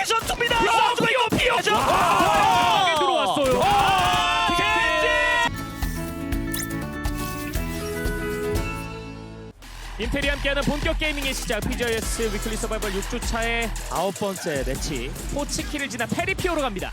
운명의 전투입니다. 피어 들어왔어요. 임페리 함께하는 본격 게이밍의 시작. PGS 위클리 서바이벌 6주차의 9번째 매치. 포치키를 지나 페리피오로 갑니다.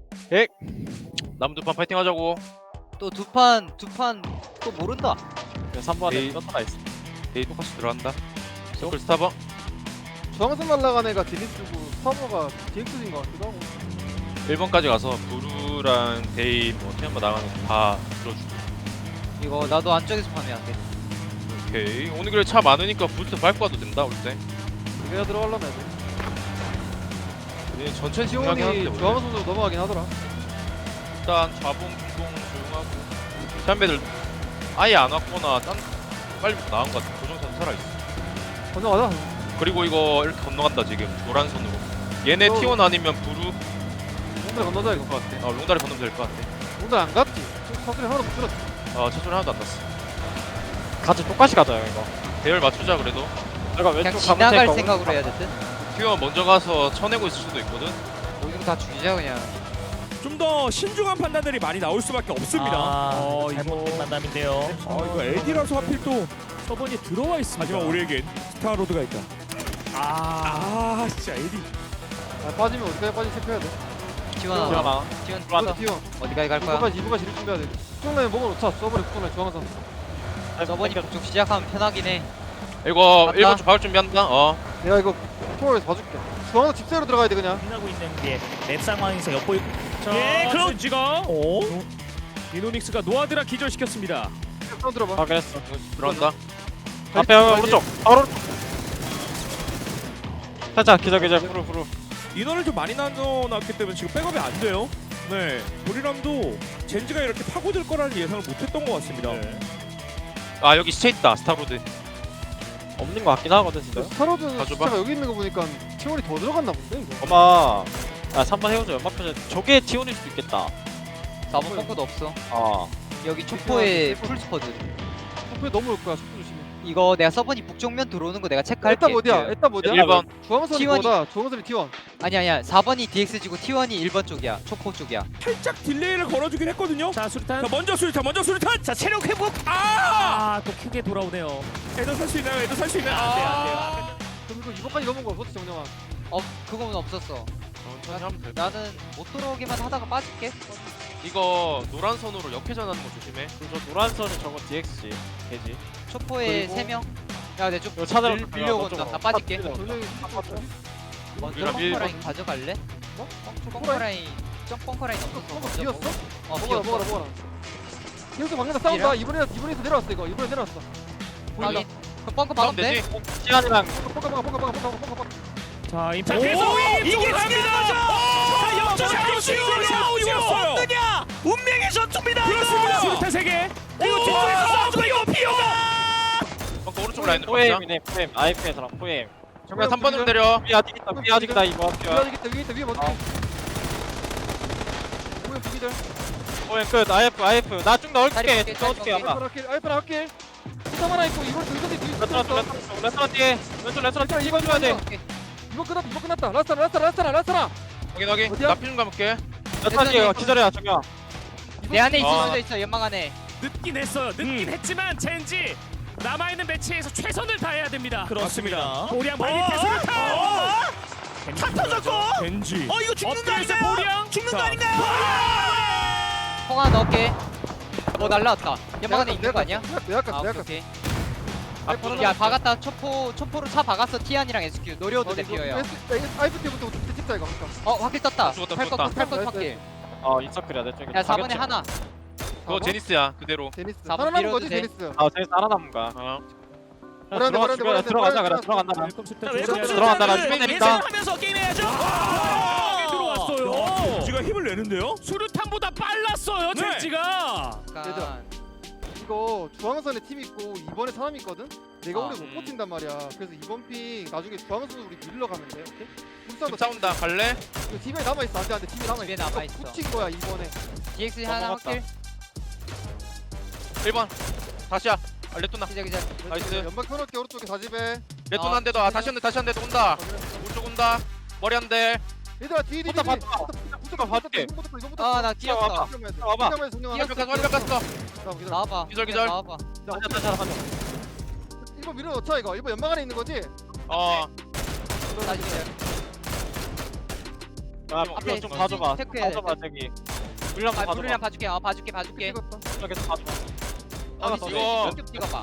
남은 두 판 파이팅 하자고. 또 두 판 또 모른다. 3번에 떴다 있어. 데이 똑같이 들어간다. 서클 스타버. 주황색 날라간 애가 디니스고 스타버가 DX인 것 같기도 하고. 1번까지 가서 부루랑 데이 뭐 태연바 나가는 거 다 들어주고. 이거 나도 안쪽에서 파면 돼. 오케이. 오늘 그래 차 많으니까 부스트 밟고 와도 된다 올 때. 내가 들어가려면 돼. 얘 전체 중요하긴 지원이 한데. 주황 선수 넘어가긴 하더라. 일단 좌봉, 중동 조용하고. 샴배들 아예 안 왔거나 빨리 나온 것 같아. 고정선 살아있어. 건너가자. 그리고 이거 이렇게 건너간다 지금 노란 선으로. 얘네 어. T1 아니면 부루. 롱달 건너자 이거. 것 같아. 롱다리 건너면 될 것 같아. 롱달 안 갔지. 사슬이 하나도 못 들었지. 차 소리 하나도 안 났어. 같이 똑같이 가자요 이거. 대열 맞추자 그래도. 내가 그냥 왼쪽 지나갈 가면 생각으로 해야 될 듯. T1 먼저 가서 쳐내고 있을 수도 있거든. 오히려 다 죽이자 그냥. 좀 더 신중한 판단들이 많이 나올 수밖에 없습니다. 잘못된 만남인데요. 이거 LD라서 하필 또 서번이 들어와 있습니다. 하지만 우리에겐 스타로드가 있다. 진짜 LD. 빠지면 어디까지 빠지 체크해야 돼. T1 하나. T1 이거 들어왔다. T1. 어디까지 갈 거야? 이부까지 지를 준비해야 돼. 쪽라인 먹어놓자. 서버리 국선에 주황 선수. 저번이 북쪽 시작하면 편하긴 해. 이거 갔다. 1번 좀 박을 준비한다. 내가 이거 투어에서 봐줄게. 주황 선수 집세로 들어가야 돼 그냥. 하고 있는 게맵 상황에서 엿보이. 그럼 지가 이노닉스가 노아드라 기절시켰습니다. 한번 들어봐. 확인했어. 들어간다. 앞에 오른쪽. 바로. 살짝 기자 후루. 인원을 좀 많이 나눠놨기 때문에 지금 백업이 안 돼요. 네, 도리람도 젠지가 이렇게 파고들 거라는 예상을 못했던 것 같습니다. 아 여기 시체 있다. 스타로드. 없는 거 같긴 하거든 진짜. 스타로드 가져봐. 숫자가 여기 있는 거 보니까 채원이 더 들어갔나 본데 이거. 엄마. 3번 해오죠. 연막 표정. 저게 T1일 수도 있겠다. 4번 펑크도 없어. 여기 초포에 풀스퍼드. 속도에 넘어올 거야. 속도 조심해. 이거 내가 서번이 북쪽면 들어오는 거 내가 체크할게. 에따 어디야? 에따 어디야? 1번. 주황선이 T1이. 뭐다? 주황선이 T1. 아니야 4번이 DX지고 T1이 1번 쪽이야. 초포 쪽이야. 살짝 딜레이를 걸어주긴 했거든요. 자 수류탄. 자 먼저 수류탄. 자 체력 회복. 또 크게 돌아오네요. 애도 살 수 있나요? 애도 살 수 있나요? 안 돼요. 그럼 이거 이번까지 넘은 거 없었지 정영아. 그건 없었어. 천천히 하면 돼. 나는 못 들어오기만 하다가 빠질게. 이거 노란 선으로 역회전하는 거 조심해. 저 노란 선이 저거 DX지. 개지. 초포에 그리고- 3명. 야, 내 쪽 이거 차대로 밀려고 온다. 나 빠질게. 전력이 먼저 이랑 벙커 라인 가져갈래? 벙커 라인. 벙커 라인 없었어. 벙커 비었어? 비었어. 먹어라. 계속 방에서 싸운다. 이번에서 내려왔어 이거. 이번에 내려왔어. 확인. 그럼 벙커 싸움 막으면 돼? 되지? 시간이랑 뽕가. 자 자 그래서 이게 중요한 거죠. 자 역전하고 지웠어요. 없느냐? 운명의 전투입니다. 그렇습니다. 수류탄 3개. 이거 뒤쪽에서 싸워주고 피오가. 벙커 오른쪽 라인으로 박자. 포엠이네. 포엠. IF의 사람 포엠. 정면 3번으로 내려. 위 아직 있다. 위 아직 있다 이거. 위에 있다. 위에 먼저. 뭐야 부기들. 포엠 끝. IF. 나 쭉 넣을게. 다리 넣어줄게 볼게, 아마. 알파 나갈게. 수상 하나 있고 이번 뒤에 레스토랑 뒤에. 왼쪽 레스토랑 뒤에 이거 줘야 돼. 이번 끝났다. 라스타나. 확인. 어디야? 나 피 좀 감을게. 레스토랑 뒤에 기다려 저기야. 내 안에 있을 아. 수도 있어. 연막 안에. 늦긴 했어요. 늦긴 했지만 젠지 남아있는 매치에서 최선을 다해야 됩니다. 그렇습니다. 보리앙 발밑에 수류탄. 차 터졌고. 젠지. 이거 죽는 거 엎드려서 아닌가요? 보리앙. 죽는 거 자, 아닌가요? 통 하나 넣을게. 날라왔다. 연막 안에 있는 거 아니야? 내가 오케이. 야, 박았다. 초포로 차 박았어. 티안이랑 SQ. 노려도 돼, 피어야. 아이프 때부터 찍자 이거. 확킬 떴다. 죽었다. 팔것 확킬. 인서클이야 내 쪽에. 야, 4번에 하나. 그거 제니스야 그대로. 제니스. 4번 살아남은 거지 밀어도 돼. 제니스. 저기 살아남은 거야. 뭐라는데. 들어가자 그래. 들어간다. 자 웰컴 들어간다. 나 수류탄을 준비됩니다. 예상하면서 게임해야죠. 들어왔어요. 젠지가 힘을 내는데요. 수류탄보다 빨랐어요. 네. 젠지가. 약간 이거 주황선에 팀 있고 이번에 사람 있거든. 내가 아, 오래 못 버틴단 말이야. 그래서 이번 핑 나중에 주황선 우리 밀러 가면 돼. 오케이? 불사도 싸운다. 갈래? 팀에 남아 있어. 안돼. 팀에 남아 집에 있어. 남아있어. 붙인 거야 이번에. DX 하나 넘어갔다. 확킬. 1번. 다시야. 레토나. 기자. 나이스. 연막 펴놓을게 오른쪽에 4집에. 레토나 한 대 더. 다시 한 대 더 온다. 오른쪽 온다. 머리 한 대. 얘들아 뒤 붙어, 붙어 붙어. 붙어 봐줄게. 이거부터 아, 나 뛰었어. 와봐. 나와봐. 기절, 기절. 나와봐. 가자. 1번 밀어넣자 이거 1번 연막 안에 있는 거지? 어 나 이제 야, 앞에 좀 봐줘봐. 체크해야 봐줘봐, 저기. 물량 좀 불이랑 봐줘봐. 봐줄게. 봐줄게. 봐줄게. 찍었다 계속 봐줘봐. 아니, 더 이거 쭉 찍어봐.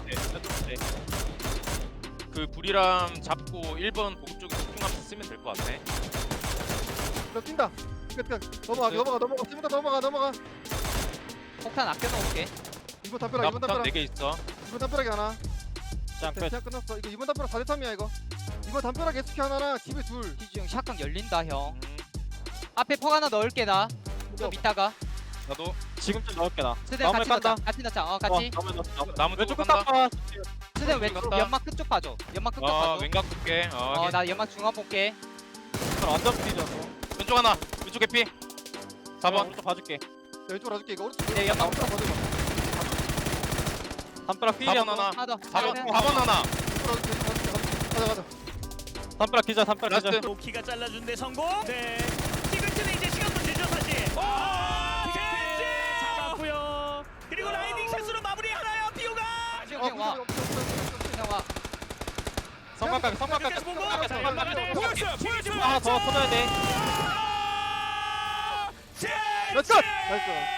그 불이람 잡고 1번 보급 쪽에 집중하면서 쓰면 될 것 같아. 너 뛴다 넘어가 지금부터 넘어가 폭탄 아껴놓을게. 2번 담벼락 나 2번 부탄 담벼락 4개 있어. 2번 담벼락이 하나 짱 끝. 대략 끝났어 이거 2번 담벼락 4대3이야 이거 2번 담벼락 SQ 하나랑 집에 둘 희중 샷각 열린다 형. 음, 앞에 폭 하나 넣을게 나. 좀 이따가. 나도 지금쯤 넣을게, 나. 스대 나무에 같이 깐다. 넣자. 같이 넣자. 같이. 나무에 넣었어. 나무 왼쪽 쪽으로 끝 간다. 봐. 스대 왼 간다. 연막 끝쪽 봐줘. 연막 끝쪽 봐줘. 왼각 볼게. 나 연막 중앙 볼게. 완전 뛰잖아. 왼쪽 하나. 왼쪽 개피. 4번. 오른쪽 봐줄게. 왼쪽으로 와줄게 이거 오른쪽 네, 연막 오른쪽 봐줘 담벼락 필이 4번 하나. 하나. 하나 더. 4번 하나. 가자 담벼락 기자, 담벼락 기자. 라스트. 로키가 잘라준 데 성공. 네. 티글트는 이제 시간도 늦죠 사실. 젠지 잡았고요. 그리고 라이딩 샷으로 마무리하나요 비오가. 형 와. 형 와. 성곽각에, 성곽각에. 계속 보고. 보여줘. 하나 더 터져야 돼. 나이스 나이스